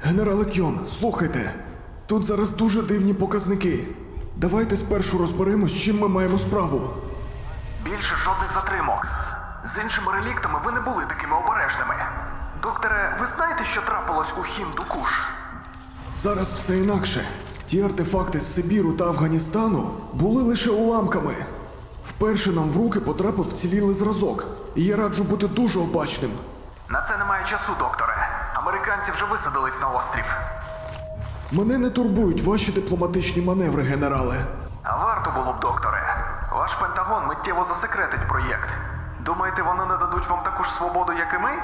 Генерале Кьон, слухайте. Тут зараз дуже дивні показники. Давайте спершу розберемось, з чим ми маємо справу. Більше жодних затримок. З іншими реліктами ви не були такими обережними. Докторе, ви знаєте, що трапилось у Хіндукуш? Зараз все інакше. Ті артефакти з Сибіру та Афганістану були лише уламками. Вперше нам в руки потрапив вцілілий зразок, і я раджу бути дуже обачним. На це немає часу, докторе. Американці вже висадились на острів. Мене не турбують ваші дипломатичні маневри, генерале. А варто було б, докторе. Ваш Пентагон миттєво засекретить проєкт. Думаєте, вони не дадуть вам таку ж свободу, як і ми?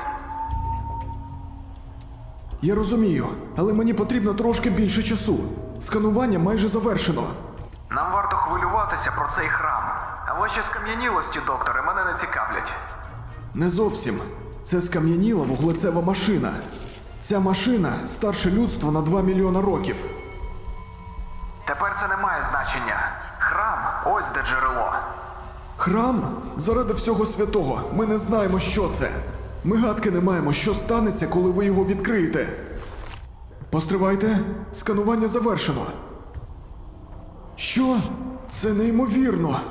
Я розумію, але мені потрібно трошки більше часу. Сканування майже завершено. Нам варто хвилюватися про цей храм. А ваші скам'янілості, докторе, мене не цікавлять. Не зовсім. Це скам'яніла вуглецева машина. Ця машина старше людства на 2 мільйона років. Тепер це не має значення. Храм – ось де джерело. Храм? Заради всього святого. Ми не знаємо, що це. Ми гадки не маємо, що станеться, коли ви його відкриєте. Постривайте. Сканування завершено. Що? Це неймовірно.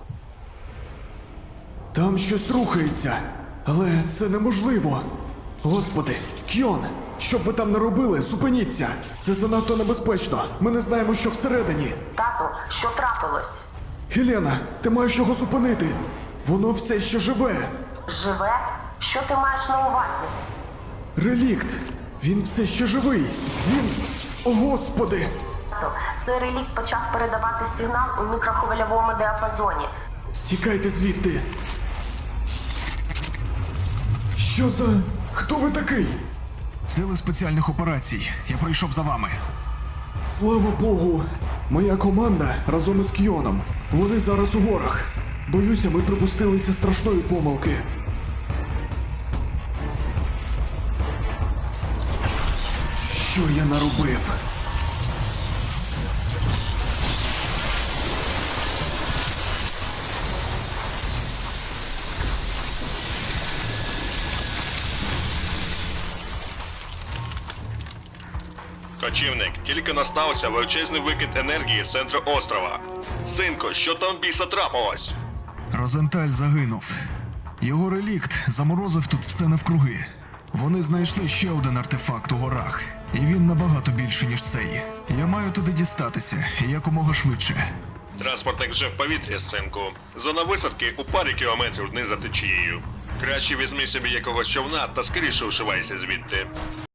Там щось рухається. Але це неможливо. Господи, Кьон, що б ви там не робили, зупиніться. Це занадто небезпечно. Ми не знаємо, що всередині. Тату, що трапилось? Хелена, ти маєш його зупинити. Воно все ще живе. Живе? Що ти маєш на увазі? Релікт. Він все ще живий. Він... О, Господи! Тату, цей релікт почав передавати сигнал у мікрохвильовому діапазоні. Тікайте звідти. Що за... Хто ви такий? Сили спеціальних операцій. Я прийшов за вами. Слава Богу. Моя команда разом із Кьоном. Вони зараз у горах. Боюся, ми припустилися страшної помилки. Що я наробив? Кочівник, тільки настався величезний викид енергії з центру острова. Синко, що там біса трапилось? Розенталь загинув. Його релікт заморозив тут все навкруги. Вони знайшли ще один артефакт у горах. І він набагато більший, ніж цей. Я маю туди дістатися, і якомога швидше. Транспортник вже в повітрі, синку. Зона висадки у парі кілометрів вниз за течією. Краще візьми собі якогось човна та скоріше вшивайся звідти.